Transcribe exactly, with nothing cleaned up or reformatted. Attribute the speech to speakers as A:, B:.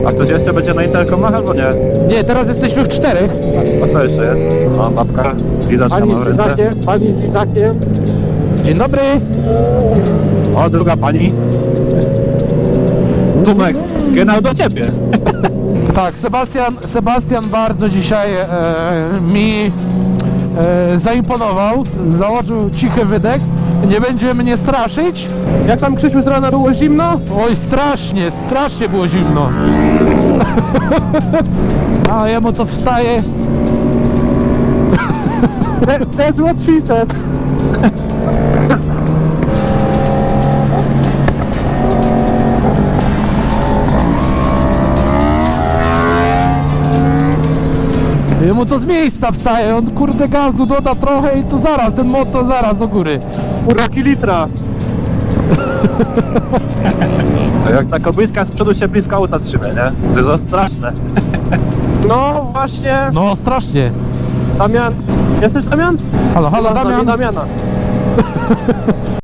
A: A ktoś jeszcze będzie na interkomach albo nie?
B: Nie, teraz jesteśmy w czterech.
A: A co jeszcze jest? O, babka, lizaczka
C: Pani
A: ma w
C: z
A: ręce.
C: Izakiem, pani z Izakiem.
B: Dzień dobry.
A: O, druga pani. Tumek, genau do ciebie.
B: Tak, Sebastian, Sebastian bardzo dzisiaj e, mi e, zaimponował. Założył cichy wydech. Nie będzie mnie straszyć.
C: Jak tam, Krzysiu, z rana było zimno?
B: Oj, strasznie, strasznie było zimno. A jemu to wstaje.
C: That, that's what she said.
B: Jemu to z miejsca wstaje. On kurde gazu doda trochę i to zaraz, ten motor zaraz do góry.
C: Uraki litra.
A: To jak ta kobitka z przodu się blisko auta trzyma, nie? To jest za straszne.
C: No właśnie,
B: No strasznie.
C: Damian. Jesteś Damian?
B: Halo, halo,
C: Masz na mnie
B: Damian.
C: Damiana.